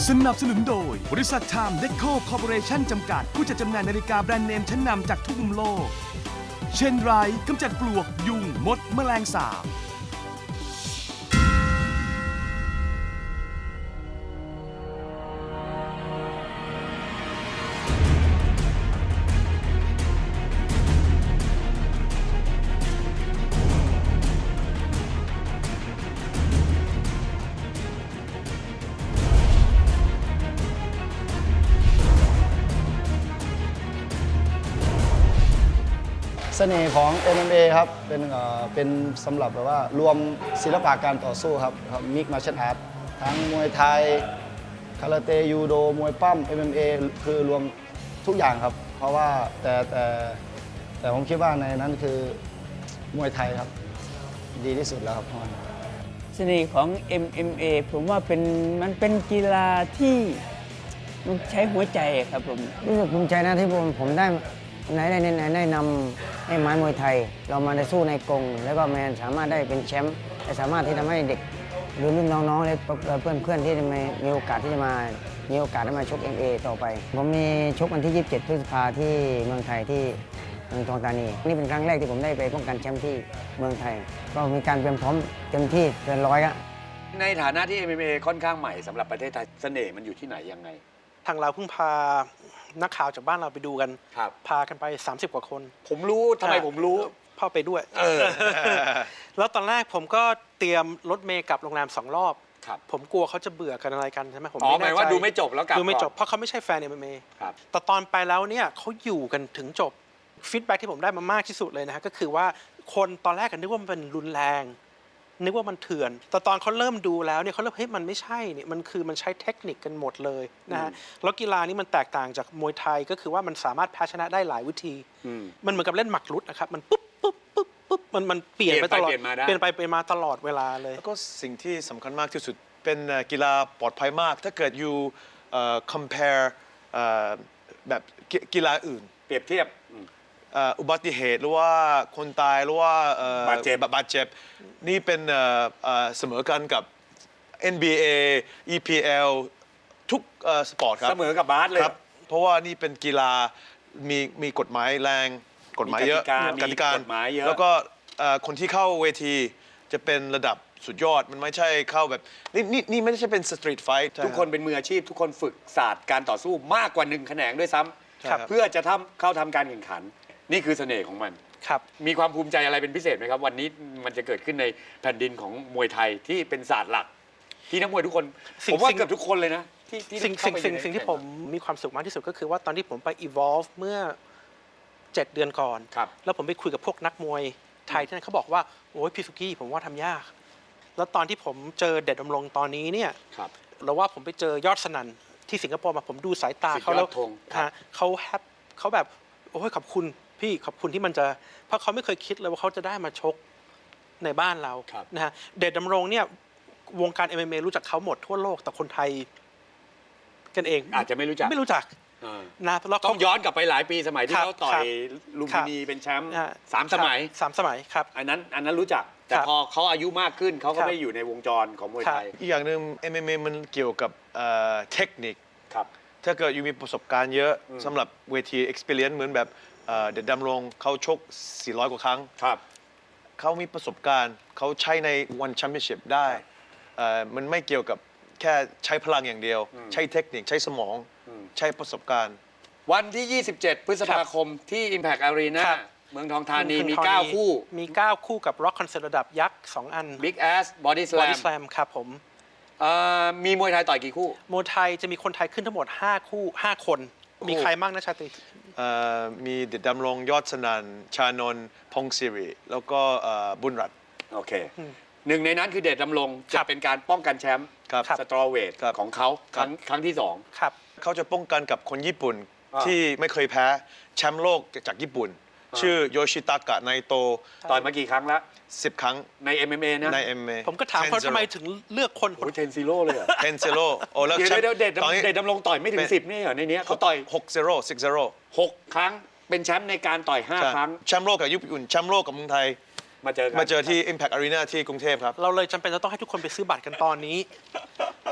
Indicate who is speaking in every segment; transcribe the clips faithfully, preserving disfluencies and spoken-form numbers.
Speaker 1: สนับสนุนโดยบริษัทไทม์เดคโคคอร์ปอเรชั่นจำกัดผู้จัดจำหน่ายนาฬิกาแบรนด์เนมชั้นนำจากทุกมุมโลกเช่นไรกำจัดปลวกยุงมดแมลงสาบ
Speaker 2: เสน่ห์ของ เอ็ม เอ็ม เอ ครับเป็นเอ่อเป็นสำหรับแบบว่ารวมศิลปะการต่อสู้ครับครับมิกมาร์เชียลอาร์ตทั้งมวยไทยคาราเต้ยูโดมวยปั้ม เอ็ม เอ็ม เอ คือรวมทุกอย่างครับเพราะว่าแต่แต่แต่ผมคิดว่าในนั้นคือมวยไทยครับดีที่สุดแล้วครับ
Speaker 3: เสน่ห์ของ เอ็ม เอ็ม เอ ผมว่าเป็นมันเป็นกีฬาที่มันใช้หัวใจครับผมรู้สึกภูมิใจนะที่ผมผมได้ในในในได้นำให้ไม้มวยไทย เรามาได้สู้ในกรงแล้วก็แมนสามารถได้เป็นแชมป์และสามารถที่ทำให้เด็กหรือรุ่นน้องๆและเพื่อนเพื่อนๆที่มีมีโอกาสที่จะมามีโอกาสได้มาชก เอ็ม เอ็ม เอ ต่อไปผมมีชกวันที่ยี่สิบเจ็ดพฤษภาที่เมืองไทยที่เมืองทองธานีนี่เป็นครั้งแรกที่ผมได้ไปป้องกันแชมป์ที่เมืองไทยก็มีการเตรียมพร้อมเต็มที่เกินร้อยอะ
Speaker 4: ในฐานะที่ เอ็ม เอ็ม เอ ค่อนข้างใหม่สำหรับประเทศไทยเสน่ห์มันอยู่ที่ไหนยังไง
Speaker 5: ทางเราเพิ่งพานักข่าวจากบ้านเราไปดูกันพากันไปสามสิบกว่าคน
Speaker 4: ผมรู้ทำไมผมรู้
Speaker 5: พ่อไปด้วยแล้วตอนแรกผมก็เตรียมรถเมล์กลับโรงแรมสองรอบผมกลัวเขาจะเบื่อกันอะไรกันใช่ไหมผม
Speaker 4: ไม่แน่ใจว่าดูไม่จบแล้วกลับ
Speaker 5: ดูไม่จบเพราะเขาไม่ใช่แฟน เอ็ม เอ็ม เอ แต่ตอนไปแล้วเนี่ยเขาอยู่กันถึงจบฟีดแบ็กที่ผมได้มามากที่สุดเลยนะฮะก็คือว่าคนตอนแรกกันนึกว่ามันเป็นรุนแรงนึกว่ามันเถื่อนแต่ตอนเขาเริ่มดูแล้วเนี่ยเขาเริ่มเฮ้ยมันไม่ใช่เนี่ยมันคือมันใช้เทคนิคกันหมดเลยนะฮะแล้วกีฬานี้มันแตกต่างจากมวยไทยก็คือว่ามันสามารถแพ้ชนะได้หลายวิธีมันเหมือนกับเล่นหมากรุกนะครับมันปุ๊บปุ๊บปุ๊บปุ๊บมันมันเปลี่ยนไปตลอดเปลี่ยนไปเปลี่ยนมาตลอดเวลาเลย
Speaker 6: แล้วก็สิ่งที่สำคัญมากที่สุดเป็นกีฬาปลอดภัยมากถ้าเกิดอยู่ compare แบบกีฬาอื่น
Speaker 4: เปรียบเทียบ
Speaker 6: อุบัติเหตุหรือว่าคนตายหรือว่า
Speaker 4: บาดเจ็บบ
Speaker 6: าดเจ็บนี่เป็นเสมอกันกับ เอ็น บี เอ อี พี แอล ทุกสปอร์ตครับ
Speaker 4: เสมอกับบาสเลย
Speaker 6: ครับเพราะว่านี่เป็นกีฬามีมีกฎหมายแรงกฎหมายเยอะ
Speaker 4: กติกาเยอะ
Speaker 6: แล้วก็คนที่เข้าเวทีจะเป็นระดับสุดยอดมันไม่ใช่เข้าแบบนี่นี่นี่ไม่ใช่เป็นสตรีทไฟท์
Speaker 4: ทุกคนเป็นมืออาชีพทุกคนฝึกศาสตร์การต่อสู้มากกว่าหนึ่งแขนงด้วยซ้ำเพื่อจะทำเข้าทำการแข่งขันนี่คือเสน่ห์ของมัน
Speaker 5: ครับ
Speaker 4: มีความภูมิใจอะไรเป็นพิเศษไหมครับวันนี้มันจะเกิดขึ้นในแผ่นดินของมวยไทยที่เป็นศาสตร์หลักที่นักมวยทุกคนผมว่าเกือบทุกคนเลยนะที่
Speaker 5: สิ่งสิ่งสิ่งสิ่งที่ผมมีความสุขมากที่สุดก็คือว่าตอนที่ผมไป evolve เมื่อเจ็ดเดือนก่อนแล้วผมไปคุยกับพวกนักมวยไทยที่นั่นเขาบอกว่าโอ้ยพี่สุกี้ผมว่าทำยากแล้วตอนที่ผมเจอเด็ดดำรงตอนนี้เนี่ยเราว่าผมไปเจอยอดสนั่นที่สิงคโปร์มาผมดูสายตาเขาแล้วเขาแฮปเขาแบบโอ้ยขอบคุณพี่ขอบคุณที่มันจะเพราะเขาไม่เคยคิดเลยว่าเขาจะได้มาชกในบ้านเรานะฮะเดชดำรงเนี่ยวงการ เอ็ม เอ็ม เอ รู้จักเขาหมดทั่วโลกแต่คนไทยกันเอง
Speaker 4: อาจจะไม่รู้จัก
Speaker 5: ไม่รู้จักนะ
Speaker 4: ต้องย้อนกลับไปหลายปีสมัยที่เขาต่อยลุมพินีเป็นแชมป์สามสมัย
Speaker 5: สามสมัยครับ
Speaker 4: อันนั้นอันนั้นรู้จักแต่พอเขาอายุมากขึ้นเขาก็ไม่อยู่ในวงจรของมวยไทย
Speaker 6: อีกอย่างหนึ่ง เอ็ม เอ็ม เอ มันเกี่ยวกับเทคนิคถ้าเกิดอยู่มีประสบการณ์เยอะสำหรับเวที experience เหมือนแบบเด็ดดำรงเขาชกสี่ร้อยกว่าครั้งเขามีประสบการณ์เขาใช้ในวันแชมเปี้ยนชิพได้มันไม่เกี่ยวกับแค่ใช้พลังอย่างเดียวใช้เทคนิคใช้สมองใช้ประสบการณ์
Speaker 4: วันที่ยี่สิบเจ็ดพฤษภาคมที่ Impact Arena เมืองทองธานีมีเก้าคู่
Speaker 5: มีเก้าคู่กับ Rock Concert ระดับยักษ์สองอัน
Speaker 4: Big Ass Body Slam
Speaker 5: Body Slam ครับผม
Speaker 4: มีมวยไทยต่อยกี่คู่
Speaker 5: มวยไทยจะมีคนไทยขึ้นทั้งหมดห้าคู่ห้าคนมีใครบ้างนะชาตรี
Speaker 6: มีเด็ดดำรงยอดสนั่นชานนท์พงศิริแล้วก็บุญรัตน์
Speaker 4: โอเคหนึ่งในนั้นคือเด็ดดำรงจะเป็นการป้องกันแชมป์สตรอเวทของเขาครั้งครั้งที่สอง
Speaker 6: เขาจะป้องกันกับคนญี่ปุ่นที่ไม่เคยแพ้แชมป์โลกจากญี่ปุ่นชื่อโยชิตากะไนโต
Speaker 4: ต่อยมากี่ครั้งแล้ว
Speaker 6: สิบครั้ง
Speaker 4: ใน เอ็ม เอ็ม เอ นะ
Speaker 6: ใน เอ็ม เอ็ม เอ
Speaker 5: ผมก็ถามเขาทำไมถึงเลือกคน
Speaker 4: โอ้เทนซิโร่เลยเหรอ
Speaker 6: เทนซิโร่โอ้แล้ว
Speaker 4: เด็ดเด็ดเด็ดดำรงต่อยไม่ถึงสิบนี่เหรอในนี้เขาต่อย
Speaker 6: หก ศูนย์ หก ศูนย์
Speaker 4: หกครั้งเป็นแชมป์ในการต่อยห้าครั้ง
Speaker 6: แชมป์โลกกับญี่ปุ่นแชมป์โลกกับเมืองไทย
Speaker 4: มาเจอ
Speaker 6: มาเจอที่ Impact Arena ที่กรุงเทพครับ
Speaker 5: เราเลยจำเป็นจะต้องให้ทุกคนไปซื้อบัตรกันตอนนี้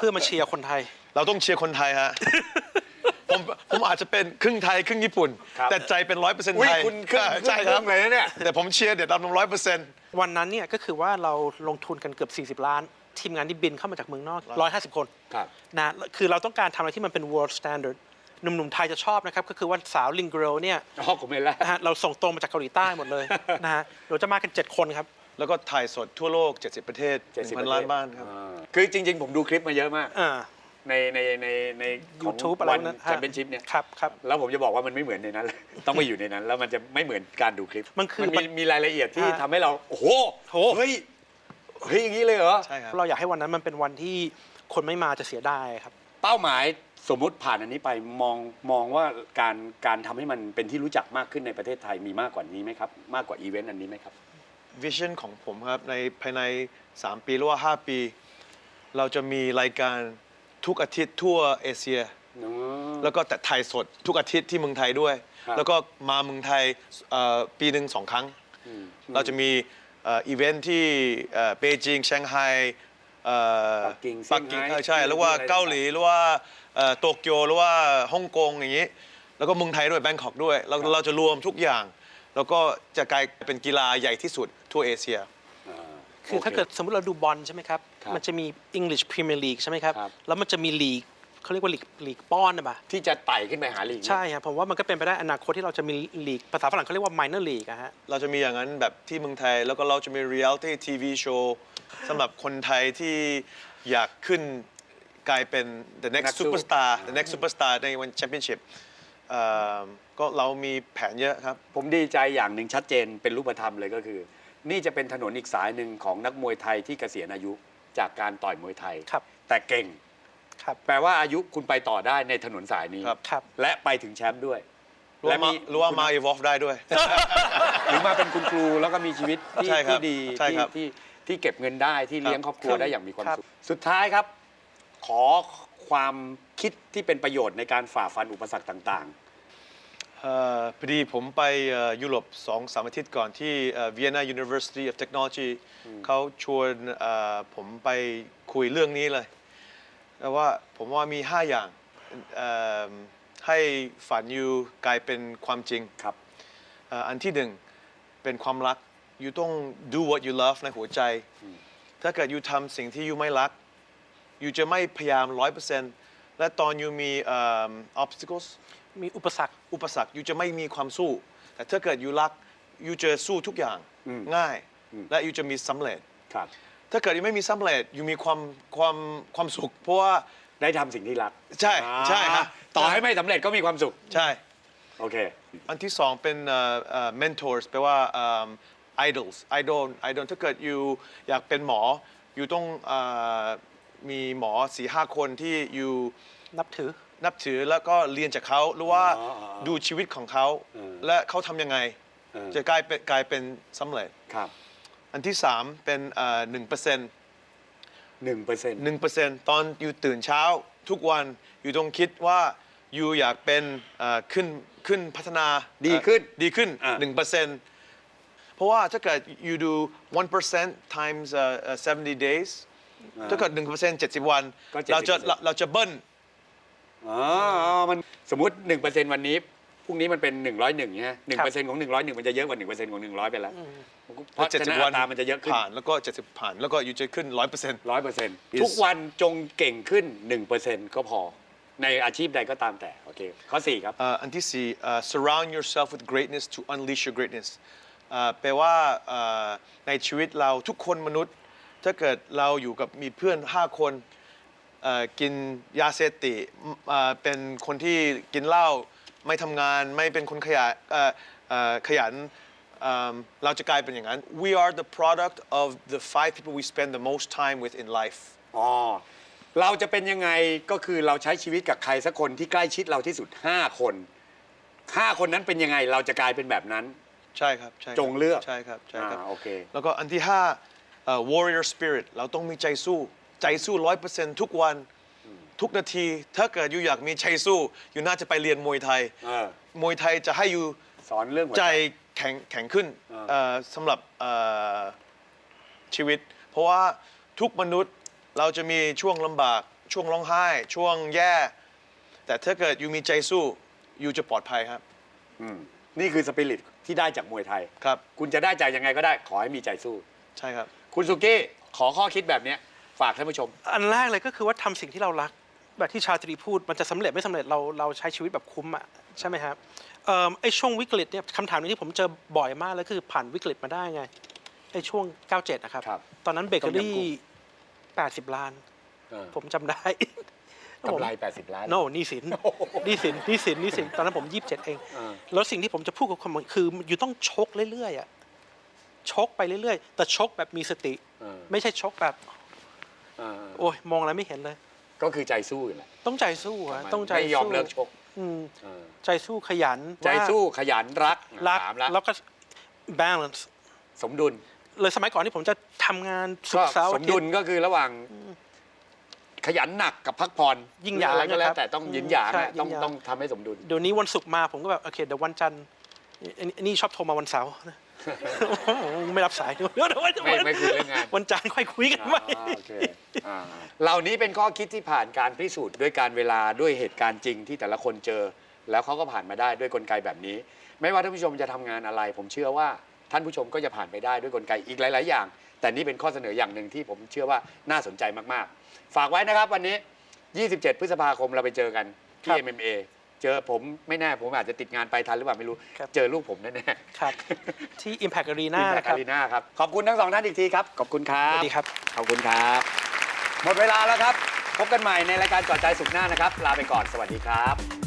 Speaker 5: พื่อมาเชียร์คนไทย
Speaker 6: เราต้องเชียร์คนไทยฮะ ผมผมอาจจะเป็นครึ่งไทยครึ่งญี่ปุ่น
Speaker 4: ครับ
Speaker 6: แต่ใจเป็นร้อยเปอร์เซ็นต์
Speaker 4: อุ้ย
Speaker 6: ไทย
Speaker 4: คุณครึ่ง
Speaker 6: ใช่ครับ
Speaker 4: งเลยนะเนี่ย
Speaker 6: แต่ผมเชียร์เด็ดดำร้อยเปอร์เซ็นต์
Speaker 5: วันนั้นเนี่ยก็คือว่าเราลงทุนกันเกือบ สี่สิบ ล้าน ทีมงานที่บินเข้ามาจากเมืองนอก หนึ่งร้อยห้าสิบ คน
Speaker 4: ครับ
Speaker 5: นะคือเราต้องการทำอะไรที่มันเป็น world standard หนุ่มๆไทยจะชอบนะครับ ก็คือว่าสาวลิงเกิลเนี่ย
Speaker 4: อ๋อผมเห็นแล้ว
Speaker 5: นะฮะเราส่งตรงมาจากเกาหลีใต้หมดเลย นะฮะเราจะมากัน เจ็ด คนครับ
Speaker 6: แล้วก็ถ่ายสดทั่วโลก เจ็ดสิบ ประเทศ
Speaker 4: เจ็ดสิบ
Speaker 6: หนึ่งพันล้านบ้านครับ
Speaker 4: อ่าคือจริง ๆ ผมดูคลิปมาเยอะมาก
Speaker 5: อ่า
Speaker 4: ในในในในของ
Speaker 5: YouTube อะไร
Speaker 4: วัน
Speaker 5: พวกนั้น
Speaker 4: แชมเปี้ยนชิพเนี่ย
Speaker 5: ครับครับ
Speaker 4: แล้วผมจะบอกว่ามันไม่เหมือนในนั้นเลย ต้องไปอยู่ในนั้น แล้วมันจะไม่เหมือนการดูคลิป
Speaker 5: มันคือ
Speaker 4: มีมีรายละเอียดที่
Speaker 5: ฮะ
Speaker 4: ทำให้เรา โอ้โห
Speaker 5: โห
Speaker 4: เฮ้ยเฮ้ยอย่างนี้เลยเหรอ
Speaker 6: ใช่ครับ
Speaker 5: เราอยากให้วันนั้นมันเป็นวันที่คนไม่มาจะเสียดายครับ
Speaker 4: เป้าหมายสมมุติผ่านอันนี้ไปมองมองว่าการการทำให้มันเป็นที่รู้จักมากขึ้นในประเทศไทยมีมากกว่านี้ไหมครับ มากกว่าอีเวนต์อันนี้ไหมครับ
Speaker 6: วิชั่นของผมครับในภายใน สาม ปีหรือว่า ห้า ปี เราจะมีรายการทุกอาทิตย์ทั่วเอเชีย แล้วก็แต่ถ่ายสดทุกอาทิตย์ที่เมืองไทยด้วย
Speaker 4: ครับ
Speaker 6: แล้วก็มาเมืองไทยเอ่อปีหนึ่งสองครั้ง เราจะมีเอ่ออีเวนท์ที่เอ่อเปจิงเซี่ยงไฮ้เอ่อ
Speaker 4: ปักกิ่ง
Speaker 6: ปักกิ่ง
Speaker 4: เซี่ยงไฮ้
Speaker 6: เออใช่หรือว่า
Speaker 4: อะไร
Speaker 6: เกาหลีหรือว่าเอ่อโตเกียวหรือว่าฮ่องกงอย่างนี้ แล้วก็เมืองไทยด้วยแบงคอกด้วยเราเราจะรวมทุกอย่าง แล้วก็จะกลายเป็นกีฬาใหญ่ที่สุดทั่วเอเชีย
Speaker 4: อ่า
Speaker 5: คือถ้าเกิดสมมติเราดูบอลใช่ไหมครับ
Speaker 4: ครับ
Speaker 5: มันจะมี English Premier League ใช่ไหมครับ
Speaker 4: ครับ
Speaker 5: แล้วมันจะมีลีกเขาเรียกว่าลีกลีกป้อนนะป่ะ
Speaker 4: ที่จะไต่ขึ้นไปหาลีก
Speaker 5: ใช่ครับผมว่ามันก็เป็นไปได้อนาคตที่เราจะมีลีกภาษาฝรั่งเขาเรียกว่า minor league อะฮะ
Speaker 6: เราจะมีอย่างนั้นแบบที่เมืองไทย แล้วก็เราจะมี reality ที วี show สำหรับคนไทยที่อยากขึ้นกลายเป็น the
Speaker 4: นั
Speaker 6: next
Speaker 4: กสู้
Speaker 6: superstar the next superstar ในวัน championship เอ่อก็เรามีแผนเยอะครับ
Speaker 4: ผมดีใจอย่างหนึ่งชัดเจนเป็นรูปธรรมเลยก็คือ นี่จะเป็นถนนอีกสายหนึ่งของนักมวยไทยที่เกษียณอายุจากการต่อยมวยไทย
Speaker 5: ครับ
Speaker 4: แต่เก่ง
Speaker 5: ครับ
Speaker 4: แปลว่าอายุคุณไปต่อได้ในถนนสายนี้
Speaker 6: ครับ
Speaker 5: ครับ
Speaker 4: และไปถึงแชมป์ด้วย
Speaker 6: รู้ว่ามารู้ว่ามา evolve ได้ด้วย
Speaker 4: หรือมาเป็นคุณครูแล้วก็มีชีวิตที่
Speaker 6: ใช่ครับ
Speaker 4: ที่ดี
Speaker 6: ใช่
Speaker 4: ที่
Speaker 6: ครับ
Speaker 4: ที่ที่เก็บเงินได้ที่เลี้ยงครอบครัว
Speaker 5: ครับ
Speaker 4: ได้อย่างมีความ
Speaker 5: ครับ
Speaker 4: สุข สุดท้ายครับ ขอความคิดที่เป็นประโยชน์ในการฝ่าฟันอุปสรรคต่าง
Speaker 6: เอ่อพอดีผมไปเอ่อยุโรปสองสามอาทิตย์ก่อนที่เอ่อ Vienna University of Technology เขาชวนเอ่อผมไปคุยเรื่องนี้เลยแต่ว่าผมว่ามี ห้า อย่างเอ่อให้ฝันอยู่กลายเป็นความจริง
Speaker 4: ๆ ครับ
Speaker 6: เอ่ออันที่หนึ่งเป็นความรัก you ต้อง do what you love ในหัวใจ ถ้าเกิด you ทำสิ่งที่ you ไม่รัก you จะไม่พยายาม ร้อยเปอร์เซ็นต์ และตอน you มีเอ่อ obstacles
Speaker 5: มีอุปสรรค
Speaker 6: อุปสรรค you จะไม่มีความสู้ แต่ถ้าเกิด you รัก you จะสู้ทุกอย่าง
Speaker 4: อืม
Speaker 6: ง่าย
Speaker 4: อืม
Speaker 6: และ you จะมีสำเร็จ
Speaker 4: ครับ
Speaker 6: ถ้าเกิด you ไม่มีสำเร็จ you มีความความความสุข เพราะว่า
Speaker 4: ได้ทำสิ่งที่รัก
Speaker 6: ใช่ใช่ครับ
Speaker 4: ต่อให้ไม่สำเร็จก็มีความสุข
Speaker 6: ใช่
Speaker 4: โอเค
Speaker 6: อันที่สองเป็นเอ่อเอ่อ mentors แปลว่าเอิ่ม idols idol idol ถ้าเกิด you อยากเป็นหมอ you ต้องเอ่อมีหมอสี่ห้าคนที่ you
Speaker 5: นับถือ
Speaker 6: นับถือแล้วก็เรียนจากเขาหรือว่า
Speaker 4: อ๋ออ๋อ
Speaker 6: ดูชีวิตของเขา
Speaker 4: เออ
Speaker 6: และเขาทำยังไง
Speaker 4: เออ
Speaker 6: จะกลายเป็นกลายเป็นสำเร็จ
Speaker 4: ครับ
Speaker 6: อันที่สามเป็นหนึ่งเปอร์เซ็นต์
Speaker 4: หนึ่งเปอร์เซ็นต์
Speaker 6: หนึ่งเปอร์เซ็นต์ตอนอยู่ตื่นเช้าทุกวันอยู่ต้องคิดว่าอยู่อยากเป็นเอ่อขึ้นขึ้นพัฒนา
Speaker 4: ดีขึ้น
Speaker 6: เอ่อดีขึ้น
Speaker 4: อ่ะ
Speaker 6: หนึ่งเปอร์เซ็นต์เพราะว่าถ้าเกิด you do one percent times uh, uh, seventy days ถ้าเกิดหนึ่งเปอร์เซ็นต์เจ็ดสิบวัน
Speaker 4: ก็
Speaker 6: เราจะ
Speaker 4: เจ็ดสิบเปอร์เซ็นต์
Speaker 6: เราเราจะเบิ้ล
Speaker 4: อ๋อ มันสมมติหนึ่งเปอร์เซ็นต์วันนี้ พรุ่งนี้มันเป็นหนึ่งร้อยหนึ่งใช่ไหมหนึ่งเปอร์เซ็นต์ของหนึ่งร้อยหนึ่งมันจะเยอะกว่าหนึ่งเปอร์เซ็นต์ของหนึ่งร้อยไปแล้วเพราะ
Speaker 6: เจ็ด
Speaker 4: ฉะ
Speaker 6: สิบ
Speaker 4: นั้น
Speaker 6: วั
Speaker 4: อัตรามันจะเยอะขึ้น
Speaker 6: ผ่านแล้วก็เจ็ดสิบผ่านแล้วก็อยู่จะขึ้นร้อยเปอร์เซ็นต์
Speaker 4: ร้อยเปอร์เซ็นต์
Speaker 6: Yes
Speaker 4: ทุกวันจงเก่งขึ้นหนึ่งเปอร์เซ็นต์ก็พอ ในอาชีพใดก็ตามแต่ โอเค ข้อสี่ครับ
Speaker 6: เอ่ออันที่สี่เอ่อ surround yourself with greatness to unleash your greatness เอ่อแปลว่าเอ่อในชีวิตเราทุกคนมนุษย์ ถ้าเกิดเราอยู่กับมีเพื่อนห้าคนเอ่อกินยาเสพติดเอ่อเป็นคนที่กินเหล้าไม่ทำงานไม่เป็นคนขยันเอ่อเอ่อขยันเอิ่มเราจะกลายเป็นอย่างนั้น we are the product of the five people we spend the most time with in life
Speaker 4: อ๋อ เราจะเป็นยังไงก็คือเราใช้ชีวิตกับใครสักคนที่ใกล้ชิดเราที่สุดห้าคนห้าคนนั้นเป็นยังไงเราจะกลายเป็นแบบนั้น
Speaker 6: ใช่ครับใช่ครับ
Speaker 4: จงเลือก
Speaker 6: ใช่ครับใช่ครับ
Speaker 4: อ่าโอเค
Speaker 6: แล้วก็อันที่ห้าเอ่อ warrior spirit เราต้องมีใจสู้ ใจสู้ร้อยเปอร์เซ็นต์ทุกวันทุกนาที ถ้าเกิดอยู่อยากมีใจสู้ อยู่น่าจะไปเรียนมวยไทย
Speaker 4: เออ
Speaker 6: มวยไทยจะให้อยู่
Speaker 4: สอนเรื่องหัว
Speaker 6: ใจ
Speaker 4: ใจ
Speaker 6: แข็งแข็งขึ้น
Speaker 4: อ่า
Speaker 6: เอ่อสำหรับเอ่อชีวิต เพราะว่าทุกมนุษย์เราจะมีช่วงลำบากช่วงร้องไห้ ช่วงแย่ แต่ถ้าเกิดยูมีใจสู้ยูจะปลอดภัยครับ
Speaker 4: อืมนี่คือสปิริตที่ได้จากมวยไทย
Speaker 6: ครับ
Speaker 4: คุณจะได้ใจยังไงก็ได้ขอให้มีใจสู้
Speaker 6: ใช่ครับ
Speaker 4: คุณสุกี้ขอข้อคิดแบบเนี้ยฝากท่านผู้ชม
Speaker 5: อันแรกเลยก็คือว่าทำสิ่งที่เรารัก แบบที่ชาตรีพูดมันจะสำเร็จไม่สำเร็จเราเราใช้ชีวิตแบบคุ้มอ่ะใช่ไหมครับเอ่อไอ้ช่วงวิกฤตเนี่ยคำถามนี้ที่ผมเจอบ่อยมากเลยคือผ่านวิกฤตมาได้ไงไอ้ช่วงเก้าเจ็ดนะครับ
Speaker 4: ครับ
Speaker 5: ตอนนั้นเบเกอรี่
Speaker 4: ต้มยำกุ้ง
Speaker 5: แปดสิบล้าน
Speaker 4: เออ
Speaker 5: ผมจำได้
Speaker 4: กำไรแปดสิบล้าน
Speaker 5: โน่หนี่สินหนี่สินหนี่สินหนี่สินตอนนั้นผมยี่สิบเจ็ดเอง
Speaker 4: เออ
Speaker 5: แล้วสิ่งที่ผมจะพูดกับคนคืออยู่ต้องชกเรื่อยๆอ่ะชกไปเรื่อยๆ แต่ชกแบบมีสติ
Speaker 4: เออ
Speaker 5: ไม่ใช่ชกแบบ
Speaker 4: เออ
Speaker 5: โอ้ยมองอะไรไม่เห็นเลย
Speaker 4: ก็คือใจสู้อยู่แหละ
Speaker 5: ต้องใจสู้อะต้องใจ
Speaker 4: ไม่ยอม
Speaker 5: สู้
Speaker 4: เลิกชก
Speaker 5: อืม
Speaker 4: เออ
Speaker 5: ใจสู้ขยัน
Speaker 4: ใจ
Speaker 5: ว่า
Speaker 4: สู้ขยันรัก
Speaker 5: รัก
Speaker 4: ถามแล้ว
Speaker 5: แล้วก็ balance
Speaker 4: สมดุล
Speaker 5: เลยสมัยก่อนที่ผมจะทำงานศุ
Speaker 4: ก็
Speaker 5: กร์เสาร์
Speaker 4: ส
Speaker 5: อาม ทิ
Speaker 4: ดุ
Speaker 5: ต
Speaker 4: ล
Speaker 5: ย์
Speaker 4: ก็คือระหว่างขยันหนักกับพักผ่อน
Speaker 5: ยิ่งหยาง
Speaker 4: อะไรก็แล้ว
Speaker 5: นะครับ
Speaker 4: แต่ต้องยินหยาง
Speaker 5: ใช่
Speaker 4: อะต้อง
Speaker 5: ยินหยาง
Speaker 4: ต้องทำให้สมดุล
Speaker 5: เดี๋ยวนี้วันศุกร์มาผมก็แบบโอเคเดี๋ยววันจันทร์อันนี้อันนี้ชอบโทรมาวันเสาร์ ไม่รับสายเดี๋ยวเดี๋ยววัน
Speaker 4: ไม่ไม่คุยเรื่องงาน
Speaker 5: วันจันทร์ค่อยคุยกันไหม
Speaker 4: อ่าโอเคอ่าเหล่านี้เป็นข้อคิดที่ผ่านการพิสูจน์ด้วยการเวลาด้วยเหตุการณ์จริงที่แต่ละคนเจอ แล้วเขาก็ผ่านมาได้ด้วยกลไกแบบนี้ ไม่ว่าท่านผู้ชมจะทำงานอะไร ผมเชื่อว่าท่านผู้ชมก็จะผ่านไปได้ด้วยกลไกอีกหลาย ๆ อย่าง แต่นี่เป็นข้อเสนออย่างหนึ่งที่ผมเชื่อว่าน่าสนใจมาก ๆ ฝากไว้นะครับวันนี้ ยี่สิบเจ็ด พฤษภาคมเราไปเจอกันที่
Speaker 5: ครับ
Speaker 4: เอ็ม เอ็ม เอ เจอผมไม่แน่ผมอาจจะติดงานไปทันหรือเปล่าไม่รู้
Speaker 5: ครับ
Speaker 4: เจอลูกผมแน่ๆ
Speaker 5: ครับ ที่ Impact Arena
Speaker 4: ที่แพ
Speaker 5: นะ
Speaker 4: ค
Speaker 5: ครั
Speaker 4: อา
Speaker 5: บ
Speaker 4: รีนาครับ ขอบคุณทั้งสองท่านอีกทีครับ ขอบคุณครั
Speaker 5: ส
Speaker 4: บ
Speaker 5: วัสดีครับ
Speaker 4: ขอบคุณครับ หมดเวลาแล้วครับ พบกันใหม่ในรายการจอดใจสุขหน้านะครับ ลาไปก่อน สวัสดีครับ